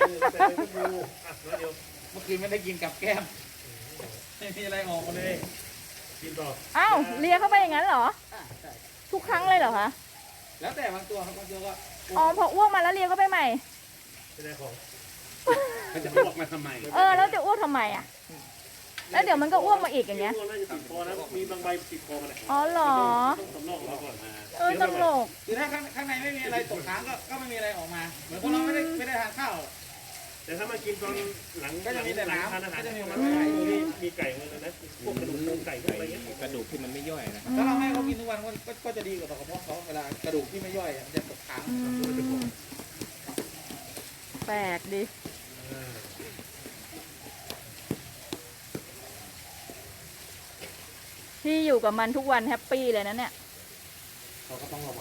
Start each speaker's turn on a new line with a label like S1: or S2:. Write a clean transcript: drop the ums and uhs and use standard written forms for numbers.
S1: แต่เป็นก็ดูอ่ะแล้วเดี๋ยว
S2: เมื่อคืนไม่ได้กินกับแก้มไม่มีอะไรออกมาเลย
S1: กินต่อ
S3: อ้าวเลียเข้าไปอย่างนั้นเหรอ
S2: ใช่
S3: ทุกครั้งเลยเหรอคะ
S2: แล้วแต่บางตัวครับบางตัวก็
S3: อ๋อพออ้วกมาแล้วเลียเข้าไปใหม่
S1: ไม่ได้ของ
S2: มันจะอ้วกมาทำไม
S3: แล้วจะอ้วกทำไมอ่ะ แล้วเดี๋ยวมันก็อ้วกมาอีกอย่างเงี้ย
S1: น่าจะติดคอนะมีบางใบติดคอมาเลย
S3: อ๋อเหรอ
S1: ต้องสำรอกเราก่อน
S3: ตลก
S2: คือถ้าข้างในไม่มีอะไรตกค้างก็ไม่มีอะไรออกมา เหมือนพวกเราไม่ได้ทานข้าว
S1: แต่ถ้ามากินตอนหลัง
S2: ก็จะมีแต่น้ำ
S1: ทานอาหาร
S2: ก็จะมี
S1: มันมีไก่มาเลยนะพวกกระดูกโครงไก่พวกอะไรเงี้ย
S4: กระดูกที่มันไม่ย่อยนะ
S2: ถ้าเราให้เขากินทุกวันก็จะดีกว่าต่อกระเพาะเขาเวลากระดูกที่ไม่ย่อยอะมันจะตกค้าง
S3: แปลกดิ พี่อยู่กับมันทุกวันแฮปปี้เลยนะเนี่ย
S2: เขาก็ต้องระวัง